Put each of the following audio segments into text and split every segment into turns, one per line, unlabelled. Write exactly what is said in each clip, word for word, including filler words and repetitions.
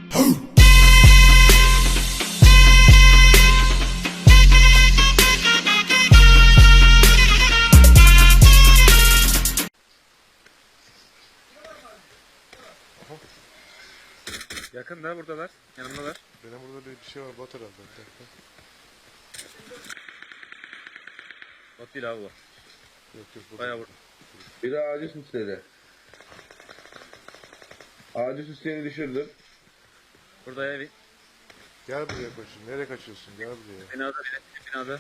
Yakında buradalar, yanımdalar.
Benim burada bir şey var, bot herhalde.
Bot değil abi bu.
Yok yok.
Bayağı vurdu.
Biri ağacı süsledi. Ağacı süsleyeni düşürdüm.
Burada evi.
Gel buraya koçum. Nereye kaçıyorsun? Gel buraya.
Binada biri, binada.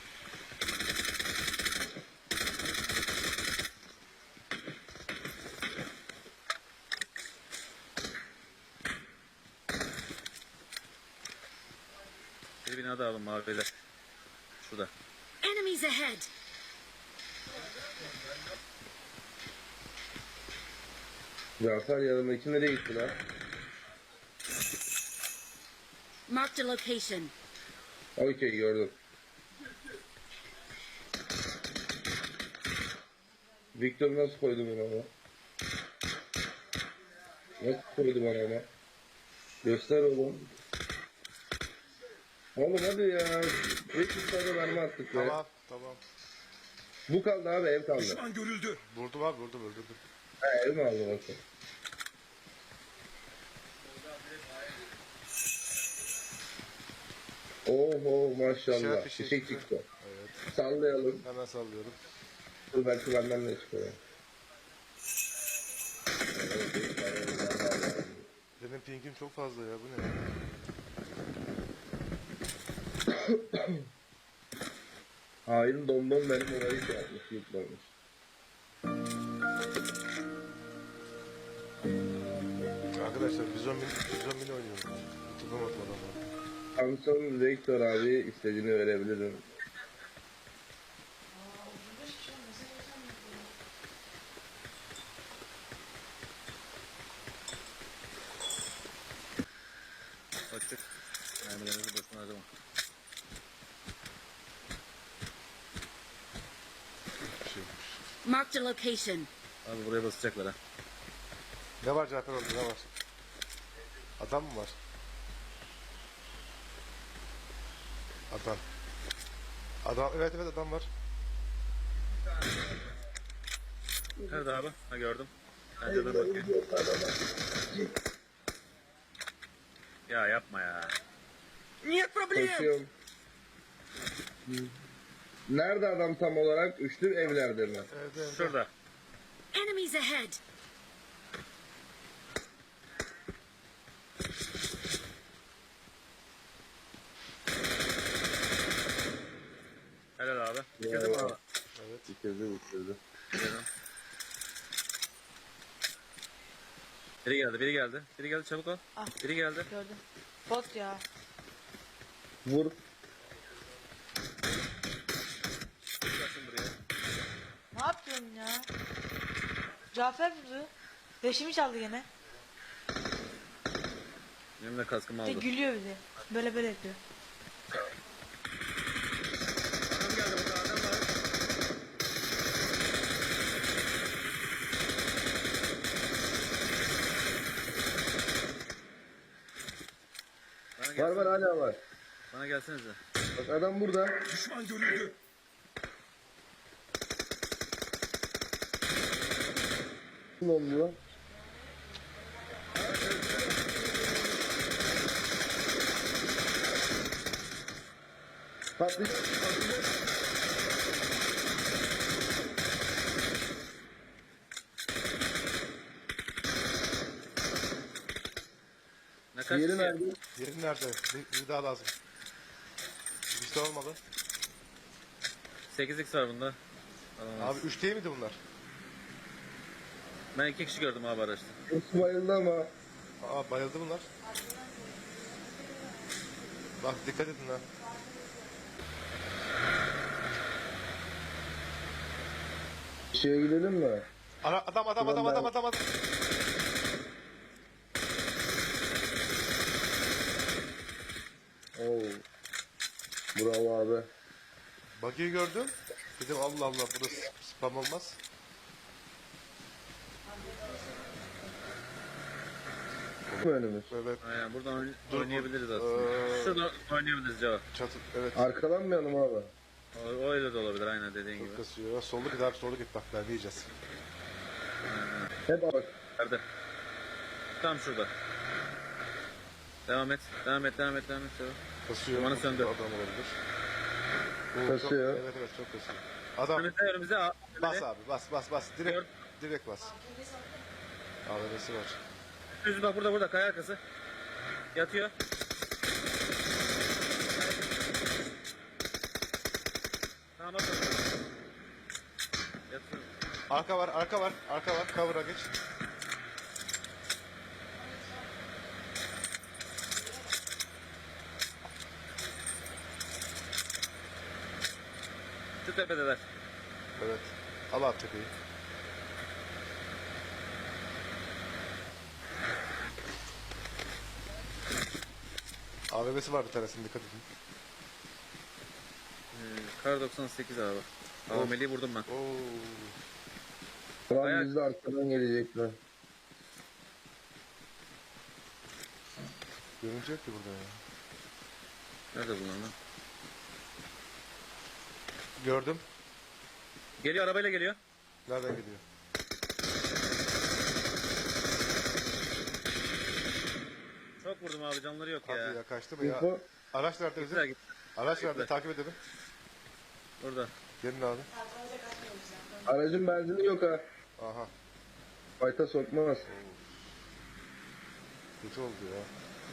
Bir binada alın maviler. Şurada.
Enemies ahead.
Cafer yanımdaki nereye gitti lan?
Marked a location.
Okey gördüm. Victor nasıl koydu bana ama? Nasıl koydu bana ama? Göster oğlum. Oğlum hadi ya. beş yüz tane mermi attık be.
Tamam tamam.
Bu kaldı abi, ev kaldı.
Düşman görüldü.
Vurdum abi vurdum öldürdüm.
Ha, ev mi aldı bakın? Oho maşallah.
İşaret bir şey
Fişek
çıktı.
çıktı.
Evet.
Sallayalım.
Hemen sallıyorum.
Dur belki benden de çıkıyor.
Benim pingim çok fazla ya, bu ne?
Hain domdom benim orayı şey yapmış, yutmamış.
Arkadaşlar bizon min, bizon min oynuyorum. Tutamadım adamı.
Samson Victor abi istediğini verebilirim.
Açık. Mermilerinizi boşuna harcama.
Bir şey yokmuş.
Marked a location.
Abi buraya basacaklar ha.
Ne var Cafer orada, ne var? Adam mı var? Adam. Adam, evet evet adam var.
Nerede abi? Ha gördüm. Bence dur bakayım. Ya yapma ya.
Koşuyorum. Nerede adam tam olarak? Üçlü evlerde mi?
Evet evet.
Şurada.
Enemies ahead.
Helal abi. Bitirdin mi abi?
Evet.
Bitirdi bitirdi.
Bitirdim. Biri geldi, biri geldi. Biri geldi, çabuk ol.
Ah.
Biri geldi.
Gördüm. Bot ya.
Vur.
Gelsin buraya.
Ne yapıyorsun ya? Cafer vurdu. Leşimi çaldı gene.
Benim de kaskımı
Bir de
aldı.
gülüyor bir de. Böyle böyle yapıyor.
Adam geldi burada, adam var. Bana
Var
gelsene.
var hala var.
Bana gelsenize.
Bak adam burada.
Düşman görüldü.
Ne oluyor? Patlı.
Ne kaç
Yeri
kişi?
nerede?
Yerin nerede? Bir, bir daha lazım. Bir şey olmadı.
sekiz x var bunda. Alamaz.
Abi üç değil miydi bunlar?
Ben iki kişi gördüm abi araçta.
Burası bayıldı ama.
Aa bayıldı bunlar. Bak dikkat edin ha.
Şeye gidelim mi?
Ara, adam adam adam adam adam adam.
Oo. Bravo abi.
Buggy'yi gördüm. Dedim Allah Allah burası spam olmaz.
önümüz.
Evet.
Aynen buradan oyn-
Dur,
oynayabiliriz
Ee,
aslında. Şurada oynayabiliriz cevap.
Çatı. Evet.
Arkalanmayalım abi.
O, o öyle de olabilir aynen dediğin
Çok
gibi.
kasıyor. Sollu git abi, sollu git bak, ben diyeceğiz.
Hep bak.
Nerede? Tam şurada. Devam et. Devam et. Devam et. Devam et. Devam et.
Kasıyor.
Dumanı
Çok
söndür.
Adam olabilir. Oo,
Kasıyor.
Çok, evet evet çok kasıyor. Adam
Önümüzde önümüzde. A-
bas abi, bas bas bas. Direkt
Gör.
direkt bas. A V M'si var.
Düz bak burada burada kaya arkası. Yatıyor. Tamam bak. Yatıyor.
Arka var, arka var, arka var. Cover'a geç.
Şu tepedeler.
Evet. Al abi tepeyi. A V M'si var bir tanesinin, dikkat edin.
Ee, Kar doksan sekiz abi.
Of.
Ameliyi vurdum ben.
Oo.
Ulan
Ayak-
biz de arkadan gelecekler.
Görünecek ki burada ya.
Nerede bunlar lan?
Gördüm.
Geliyor arabayla geliyor.
Nereden gidiyor?
Çok vurdum abi canları yok
Hadi
ya.
ya, kaçtı mı ya?
Info.
Araç nerede
Güzel
bizim?
gitti.
Araç nerede?
Güzel.
Takip edelim.
Burada.
Gelin abi.
Aracın benzini yok ha.
Aha.
Fayta sokmaz.
Kötü oldu ya.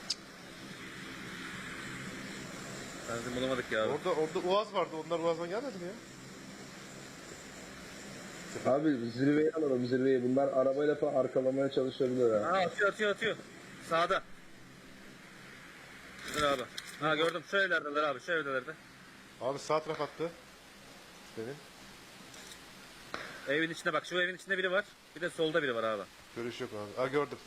Benzin bulamadık ya abi.
Orada orada Uaz vardı. Onlar Uaz'dan gelmedi mi ya?
Abi zirveyi alalım zirveyi. Bunlar arabayla falan arkalamaya çalışabilir ha.
Aa atıyor atıyor atıyor. Sağda. Dur abi. Ha gördüm şu evlerdeler abi şu evlerde.
Abi sağ taraf attı. Benim.
Evin içinde bak şu evin içinde biri var. Bir de solda biri var abi.
Görüş yok abi. Ha gördüm.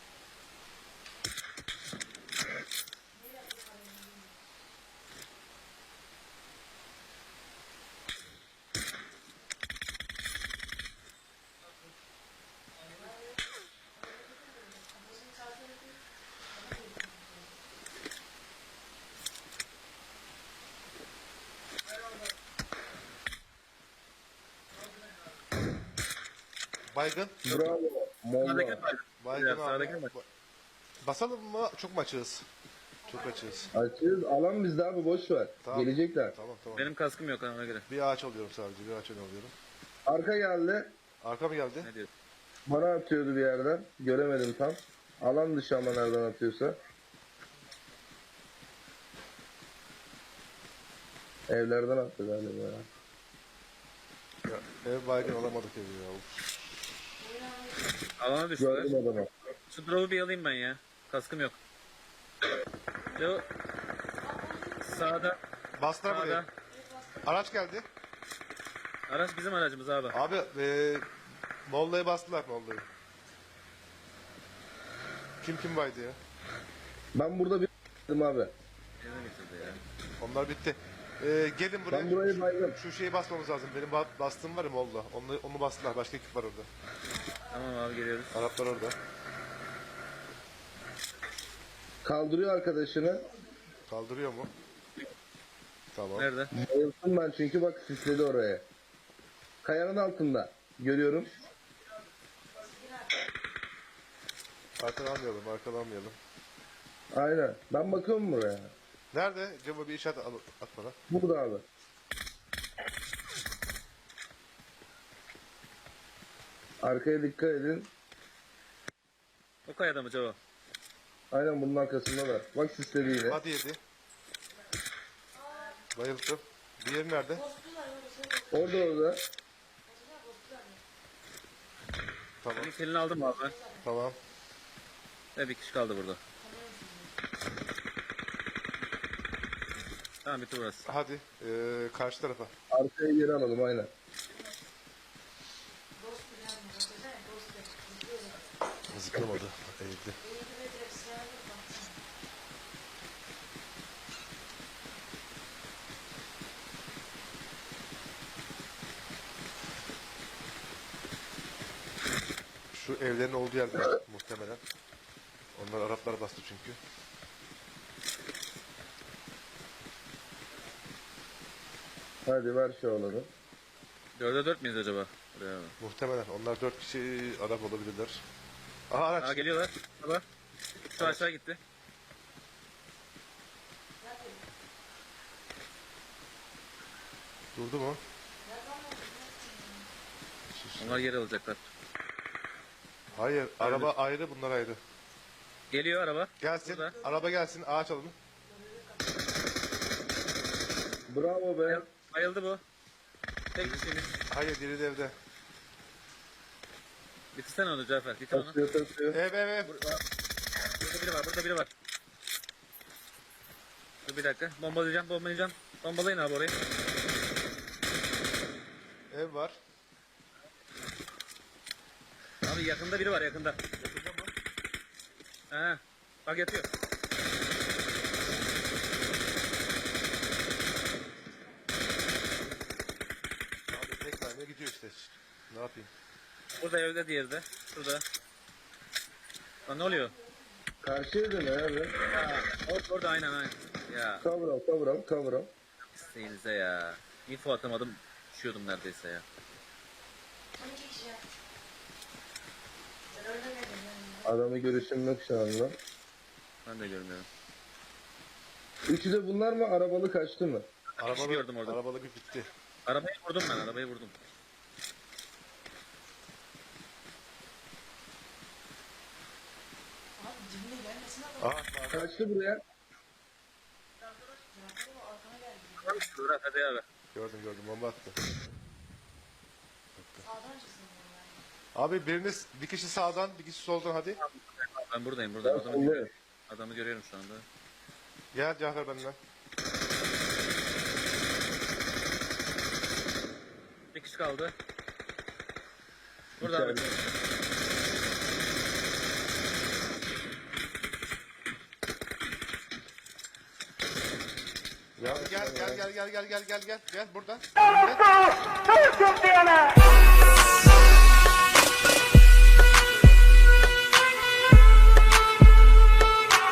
Baygın.
Bravo.
Sağdaki
Molla.
var.
Baygın
Ya,
abi.
sağdaki var.
Ba- Basalım mı? Çok mu açığız? Çok açığız.
Açıyoruz. Alan bizde abi boş ver.
Tamam.
Gelecekler.
Tamam tamam.
Benim kaskım yok ona göre.
Bir ağaç alıyorum sadece. Bir ağaç alıyorum.
Arka geldi.
Arka mı geldi?
Ne diyorsun?
Bana atıyordu bir yerden. Göremedim tam. Alan dışı ama nereden atıyorsa. Evlerden attı galiba ya.
Ya, ev baygın alamadık evi ya. Uf.
Alana düştüler.
Gördüm adamı.
Şu drop'u bir alayım ben ya. Kaskım yok. Şu sağda.
Bastılar buraya.
Sağda.
Araç geldi.
Araç bizim aracımız abi.
Abi eee Molla'ya bastılar Molla'yı. Kim kim baydı ya?
Ben burada bir abi.
Yerine getirdi ya.
Onlar bitti. Eee gelin buraya.
Ben burayı baydım.
Şu şeyi basmamız lazım. Benim ba- bastığım var ya Molla. Onu, onu bastılar. Başka ekip var orada.
Tamam abi geliyoruz.
Araplar orada.
Kaldırıyor arkadaşını.
Kaldırıyor mu? Tamam.
Nerede?
Bayıldım ben çünkü bak sisledi oraya. Kayanın altında. Görüyorum.
Arkalanmayalım, arkalanmayalım.
Aynen. Ben bakıyorum buraya.
Nerede? Cemo bir işaret al, at bana.
Burada abi. Arkaya dikkat edin.
O kayada mı cevap?
Aynen bunun arkasındalar. Bak sisledi yine.
Hadi yedi. Bayıldım. Diğeri nerede?
Orada orada.
Tamam.
Senin kilini aldım abi ben.
Tamam.
Ve bir kişi kaldı burada. Tamam bitti burası.
Hadi. Ee, karşı tarafa.
Arkaya geri alalım aynen.
Zıplamadı. Eğildi. Şu evlerin olduğu yerde muhtemelen. Onu Bunlar Araplar bastı çünkü.
Hadi ver şu alanı.
Dörde dört müyüz acaba? Buraya bak.
Muhtemelen. Onlar dört kişi Arap olabilirler. Aha araç.
Aa geliyorlar. Baba. Şu aşağı gitti.
Durdu mu?
Onlar geri alacaklar.
Hayır. Araba ayrı, bunlar ayrı.
Geliyor araba.
Gelsin.
Burada.
Araba gelsin. Ağaç alalım.
Bravo be.
Bayıldı bu. Tek kişinin.
Hayır, diri de evde.
Bitirsene onu Cafer. Bitir onu.
Taşıyor taşıyor.
Ev ev ev.
Burada biri var. Burada biri var. Dur bir dakika. Bombalayacağım. Bombalayacağım. Bombalayın abi orayı.
Ev var.
Abi yakında biri var yakında. Ha. Bak yatıyor.
Abi tek mermiye gidiyor işte. Ne yapayım?
Burada evde diğeri de. Şurada. Lan ne oluyor?
Karşı evde ne abi?
Ha, orada, orada aynen aynen. Ya
Kavram kavram kavram.
isteğinize ya. Info atamadım. Düşüyordum neredeyse ya.
Adamı görüşüm yok şu anda.
Ben de görmüyorum.
Üçü de bunlar mı? Arabalı kaçtı mı?
Arabalı,
gördüm orada.
Arabalı bir bitti.
Arabayı vurdum ben. Arabayı vurdum.
Aha sağda.
Kaçtı buraya.
Dur hadi abi.
Gördüm gördüm, bomba attı. Abi biriniz, bir kişi sağdan, bir kişi soldan hadi.
Ben buradayım buradayım.
Ben
Adamı
soldayım.
görüyorum. Adamı görüyorum şu anda.
Gel Cafer benden.
Bir kişi kaldı. Burada abi.
İçeride.
Ya gel gel gel gel gel gel gel gel gel buradan. Önümde.